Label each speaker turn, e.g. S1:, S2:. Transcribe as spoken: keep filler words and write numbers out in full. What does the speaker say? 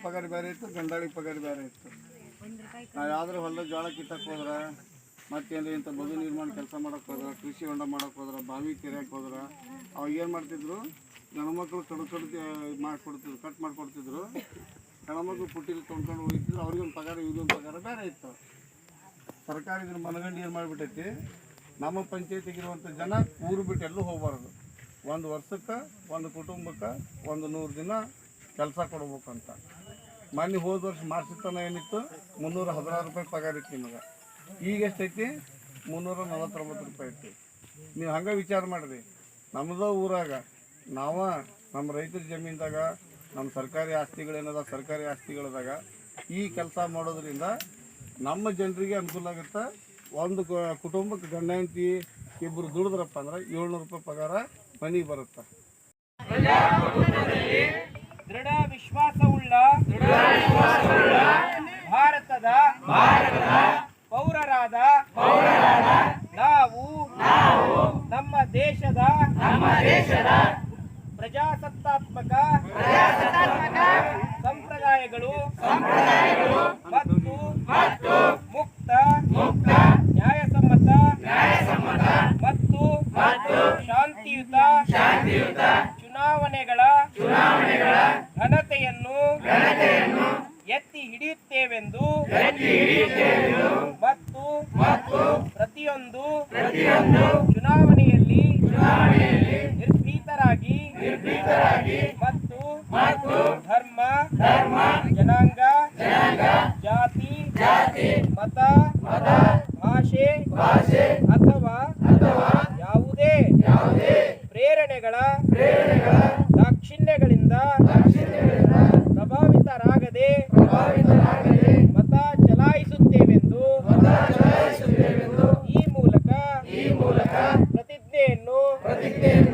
S1: ಪಗಾರ ಬೇರೆ ಇತ್ತು, ಗಂಡಾಳಿ ಪಗಾರ ಬೇರೆ ಇತ್ತು. ನಾವು ಯಾವ್ದಾರು ಹೊಲದ ಜೋಳ ಕಿತ್ತಕ್ಕೆ ಹೋದ್ರೆ, ಮತ್ತೇನು ಇಂಥ ಬದು ನಿರ್ಮಾಣ ಕೆಲಸ ಮಾಡೋಕ್ಕೆ ಹೋದ್ರೆ, ಕೃಷಿ ಹೊಂಡ ಮಾಡೋಕ್ಕೆ ಹೋದ್ರೆ, ಬಾವಿ ಕೆರೆಯಕ್ಕೆ ಹೋದ್ರೆ, ಅವಾಗ ಏನು ಮಾಡ್ತಿದ್ರು, ಗಣಮಕ್ಕಳು ಕಡು ಕಡು ಮಾಡಿಕೊಡ್ತಿದ್ರು, ಕಟ್ ಮಾಡಿಕೊಡ್ತಿದ್ರು. ಹೆಣ್ಮಕ್ಳು ಪುಟ್ಟಿಲಿ ತೊಗೊಂಡ್ಕೊಂಡು ಹೋಗ್ತಿದ್ರು. ಅವ್ರಿಗೊಂದು ಪಗಾರ ಇವ್ರಿಗೊಂದು ಪಗಾರ ಬೇರೆ ಇತ್ತು. ಸರ್ಕಾರ ಇದ್ರ ಮನಗಂಡು ಏನು ಮಾಡಿಬಿಟ್ಟೈತಿ, ನಮ್ಮ ಪಂಚಾಯತಿಗಿರುವಂಥ ಜನ ಊರು ಬಿಟ್ಟು ಎಲ್ಲೂ ಹೋಗಬಾರ್ದು. ಒಂದು ವರ್ಷಕ್ಕೆ ಒಂದು ಕುಟುಂಬಕ್ಕೆ ಒಂದು ನೂರು ದಿನ ಕೆಲಸ ಕೊಡ್ಬೇಕಂತ. ಮೊನ್ನೆ ಹೋದ ವರ್ಷ ಮಾರ್ಚಿತನ ಏನಿತ್ತು, ಮುನ್ನೂರ ಹದಿನಾರು ರೂಪಾಯಿ ಪಗಾರ ಇತ್ತು ನಿಮಗೆ. ಈಗ ಎಷ್ಟೈತಿ? ಮುನ್ನೂರ ನಲವತ್ತೊಂಬತ್ತು ರೂಪಾಯಿ ಐತಿ. ನೀವು ಹಂಗೆ ವಿಚಾರ ಮಾಡಿರಿ, ನಮ್ಮದು ಊರಾಗ ನಾವು ನಮ್ಮ ರೈತರ ಜಮೀನ್ದಾಗ ನಮ್ಮ ಸರ್ಕಾರಿ ಆಸ್ತಿಗಳೇನದ, ಸರ್ಕಾರಿ ಆಸ್ತಿಗಳದಾಗ ಈ ಕೆಲಸ ಮಾಡೋದ್ರಿಂದ ನಮ್ಮ ಜನರಿಗೆ ಅನುಕೂಲ ಆಗುತ್ತೆ. ಒಂದು ಕುಟುಂಬಕ್ಕೆ ಗಂಡ ಹೆಂಡತಿ ಇಬ್ಬರು ದುಡಿದ್ರಪ್ಪ ಅಂದ್ರೆ ಏಳ್ನೂರು ರೂಪಾಯಿ ಪಗಾರ ಮನೆಗೆ ಬರುತ್ತೆ.
S2: ದೃಢ ವಿಶ್ವಾಸವುಳ್ಳ ಭಾರತದ ಪೌರರಾದ ನಾವು ನಮ್ಮ ದೇಶದ ಪ್ರಜಾಸತ್ತಾತ್ಮಕ ಸಂಪ್ರದಾಯಗಳು ಮತ್ತು ಮುಕ್ತ ನ್ಯಾಯಸಮ್ಮತ ಮತ್ತು ಶಾಂತಿಯುತ ಚುನಾವಣೆಗಳ ಘನತೆಯನ್ನು ಎತ್ತಿ ಹಿಡಿಯುತ್ತೇವೆಂದು ಮತ್ತು ಪ್ರತಿಯೊಂದು ಚುನಾವಣೆಯಲ್ಲಿ ನಿರ್ಭೀತರಾಗಿ ಮತ್ತು ಧರ್ಮ ಜನಾಂಗ ಜಾತಿ ಮತ ಭಾಷೆ ಅಥವಾ ಯಾವುದೇ ಪ್ರೇರಣೆಗಳ ದಾಕ್ಷಿಣ್ಯಗಳಿಂದ ಪ್ರಭಾವಿತರಾಗದೆ ಮತ ಚಲಾಯಿಸುತ್ತೇವೆಂದು ಈ ಮೂಲಕ ಪ್ರತಿಜ್ಞೆಯನ್ನು